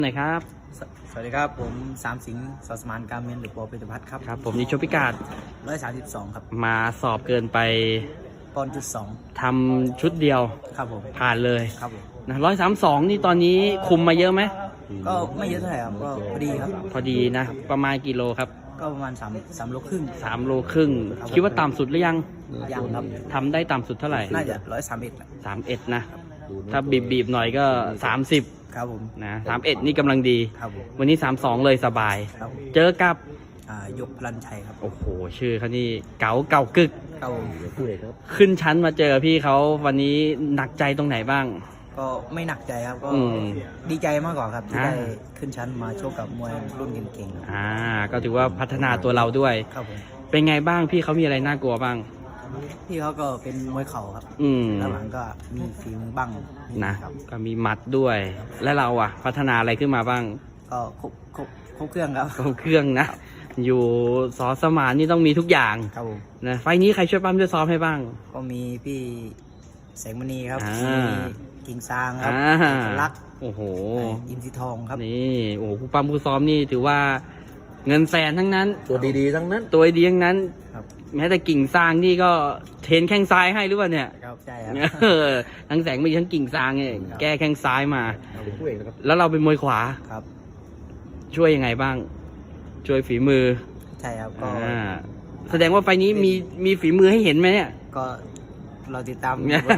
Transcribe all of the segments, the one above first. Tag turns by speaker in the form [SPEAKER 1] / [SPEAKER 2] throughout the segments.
[SPEAKER 1] ไหนครับ
[SPEAKER 2] สวัสดีครับผมสามสิงห์สสมานการเมนหรือปอปิตพัฒน์ครับ
[SPEAKER 1] ครับผมนี่ชกพิกาด
[SPEAKER 2] 132ครับ
[SPEAKER 1] มาสอบเกินไป
[SPEAKER 2] 1.2
[SPEAKER 1] ทำชุดเดียว
[SPEAKER 2] ครับผม
[SPEAKER 1] ผ่านเลย
[SPEAKER 2] ครับผม
[SPEAKER 1] นะ132นี่ตอนนี้คุมมาเยอะไหม
[SPEAKER 2] ก็ไม่เยอะเท่าไหร่ครับก็พอดีครับ
[SPEAKER 1] พอดีนะประมาณกี่โลครับ
[SPEAKER 2] ก็ประมาณ3 โลครึ่ง
[SPEAKER 1] 3 โลครึ่งคิดว่าต่ำสุดหรือยัง
[SPEAKER 2] ยังครับ
[SPEAKER 1] ทำได้ต่ำสุดเท่าไหร่
[SPEAKER 2] น่าจะ131
[SPEAKER 1] 31นะถ้าบีบหน่อยก็30
[SPEAKER 2] ครับผม
[SPEAKER 1] นะ31นี่กำลังดี
[SPEAKER 2] ครับผม
[SPEAKER 1] วันนี้32เลยสบายเจอกับ
[SPEAKER 2] ยกพลันชัยครับ
[SPEAKER 1] โอ้โหชื่อเขานี่เก่ากึก
[SPEAKER 2] ครับผม
[SPEAKER 1] ขึ้นชั้นมาเจอพี่เขาวันนี้หนักใจตรงไหนบ้าง
[SPEAKER 2] ก็ไม่หนักใจครับก็ดีใจมากกว่าครับที่ได้ขึ้นชั้นมาโชคกับมวยรุ่นเก่ง
[SPEAKER 1] ก็ถือว่าพัฒนาตัวเราด้วย
[SPEAKER 2] ครับผม
[SPEAKER 1] เป็นไงบ้างพี่เขามีอะไรน่ากลัวบ้าง
[SPEAKER 2] พี่เขาก็เป็นมวยเข่าครับแล้วหลังก็มีฝีมือบ้าง
[SPEAKER 1] นะก็มีหมัดด้วยและเราพัฒนาอะไรขึ้นมาบ้าง
[SPEAKER 2] ก็ครบเครื่องครับ
[SPEAKER 1] ครบเครื่องนะอยู่สอสมานนี่ต้องมีทุกอย่าง
[SPEAKER 2] ครับผม
[SPEAKER 1] นะไฟนี้ใครช่วยปั้มช่วยซ้อมให้บ้าง
[SPEAKER 2] ก็มีพี่แสงมณีครับมีกิ่งซางครับรัก
[SPEAKER 1] โอ้โห
[SPEAKER 2] อินทรีทองครับ
[SPEAKER 1] นี่โอ้โหผู้ปั้มผู้ซ้อมนี่ถือว่าเงินแสนทั้งนั้น
[SPEAKER 3] ตัวดีๆทั้งนั้น
[SPEAKER 1] ตัวดีทั้งนั้นแม้แต่กิ่งซางนี่ก็เทรนแข้งซ้ายให้หรือเปล่าเนี่ย
[SPEAKER 2] ครับใช่ครับ
[SPEAKER 1] ทั้งแสงมีทั้งกิ่งซางเนี่ยแก้แข้งซ้ายมาแล้วเราเป็นมวยขวา
[SPEAKER 2] ครับ
[SPEAKER 1] ช่วยยังไงบ้างช่วยฝีมือ
[SPEAKER 2] ใช่ครับก็
[SPEAKER 1] แสดงว่าไฟนี้มีฝีมือให้เห็นไหมเนี่ย
[SPEAKER 2] ก็เราติดตาม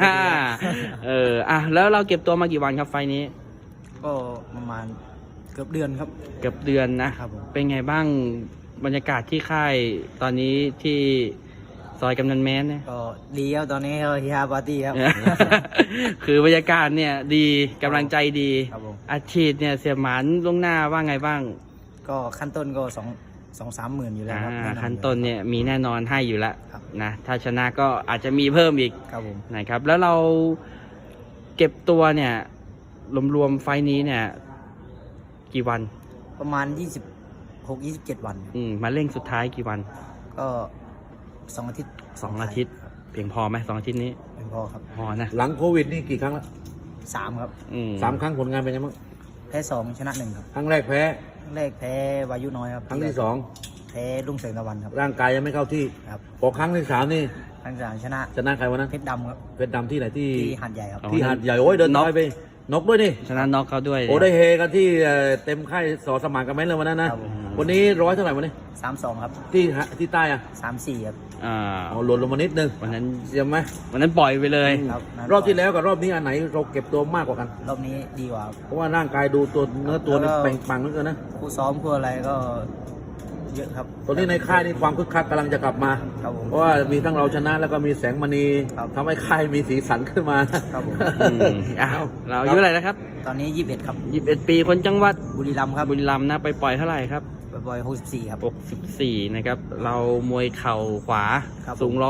[SPEAKER 1] แล้วเราเก็บตัวมากี่วันครับไฟนี้
[SPEAKER 2] ก็ประมาณเกือบเดือนครับ
[SPEAKER 1] เกือบเดือนนะครับเป็นไงบ้างบรรยากาศที่ค่ายตอนนี้ที่ซอยกำนันแม้นเนี่ย
[SPEAKER 2] ก็ดีครับตอนนี้เฮียปาร์ตี้ครับ
[SPEAKER 1] คือบรรยากาศเนี่ยดีกำลังใจดีอาชีพเนี่ยเสียหมานล่วงหน้าว่าไงบ้าง
[SPEAKER 2] ก็ขั้นต้นก็2-3 หมื่นอยู่แล้วครับ
[SPEAKER 1] ขั้นต้นเนี่ยมีแน่นอนให้อยู่แล้วนะถ้าชนะก็อาจจะมีเพิ่มอีกนะครับแล้วเราเก็บตัวเนี่ยรวมๆไฟนี้เนี่ยกี่วัน
[SPEAKER 2] ประมาณ26-27 วัน
[SPEAKER 1] มาเร่งสุดท้ายกี่วัน
[SPEAKER 2] ก็2 อาทิตย์
[SPEAKER 1] 2 อาทิตย์เพียงพอไหม2 อาทิตย์นี้
[SPEAKER 2] เพียงพอครับ
[SPEAKER 1] พอนะ
[SPEAKER 3] หลังโควิดนี่กี่ครั้งละ
[SPEAKER 2] 3ครับ
[SPEAKER 3] 3 ครั้งผลงานเป็นยังไงบ้าง
[SPEAKER 2] แพ้2ชนะ1ครับ
[SPEAKER 3] ครั้งแรกแพ้
[SPEAKER 2] วายุน้อยครับ
[SPEAKER 3] ครั้งที่2
[SPEAKER 2] แพ้รุ่งเสริงตะวันครับ
[SPEAKER 3] ร่างกายยังไม่เข้าที่
[SPEAKER 2] ครับ
[SPEAKER 3] พอครั้งที่3นี่
[SPEAKER 2] ครั้งที่3ชนะ
[SPEAKER 3] ใครวะนั้น
[SPEAKER 2] เพชรดำครับ
[SPEAKER 3] เพชรดำที่ไหนที่
[SPEAKER 2] หาดใหญ่ครับ
[SPEAKER 3] ที่หาดใหญ่โอ้ยเดินน้อยไปนกด้วยนี่
[SPEAKER 1] ชนะน็อกเขาด้วย
[SPEAKER 3] โอ้ได้เฮกันที่เต็มค่ายสอสมานกันไหมเลยวันนั้นนะวันนี้100เท่าไหร่วันนี้
[SPEAKER 2] 32ครับ
[SPEAKER 3] ที่ใต้
[SPEAKER 2] 34ครับ
[SPEAKER 3] หล่นลงมานิดนึง
[SPEAKER 1] วันนั้น
[SPEAKER 3] เสียไหม
[SPEAKER 1] วันนั้นปล่อยไปเลย
[SPEAKER 3] รอบที่แล้วกับรอบนี้อันไหนเราเก็บตัวมากกว่ากัน
[SPEAKER 2] รอบนี้ดีกว่า
[SPEAKER 3] เพราะว่าร่างกายดูตัวเนื้อตัวนี่เปล่งปลั่งเหลือเกินนะ
[SPEAKER 2] คู่ซ้อมคู่อะไรก็เยอะครับ
[SPEAKER 3] ตอนนี้ในค่ายนี่ความคึกคักกำลังจะกลับมาเพราะว่ามีทั้งเราชนะแล้วก็มีแสงมณีทำให้ค่ายมีสีสันขึ้นมา
[SPEAKER 1] เราอายุอะไรนะครับ
[SPEAKER 2] ตอนนี้21ครับ
[SPEAKER 1] 21 ปีคนจังหวัด
[SPEAKER 2] บุรีรัมย์ครับ
[SPEAKER 1] บุรีรัมย์นะไปปล่อยเท่าไหร่ครับ
[SPEAKER 2] ปล่อย64ครับ
[SPEAKER 1] 64นะครับเรามวยเข่าขวาสูง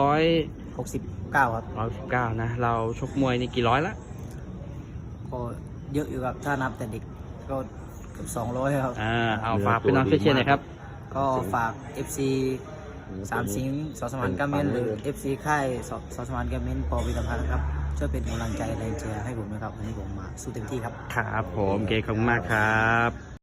[SPEAKER 2] 169ครับ
[SPEAKER 1] 119นะเราชกมวยนี่กี่ร้อยละ
[SPEAKER 2] ก็เยอะอยู่ครับถ้านับแต่เด็กก็เกือบ200ครับ
[SPEAKER 1] เอาฝากพี่น้องเชียร์หน่อยครับ
[SPEAKER 2] ก็ฝาก FC สามสิงห์สสมานการเมนหรือ FC ค่ายสสมานการเมนปอวิทยาพัฒน์นะครับช่วยเป็นกำลังใจแรงเชียร์ให้ผมนะครับวันนี้ผมมาสู้เต็มที่ครับ
[SPEAKER 1] ครับผมเก๋ขอบคุณมากครับ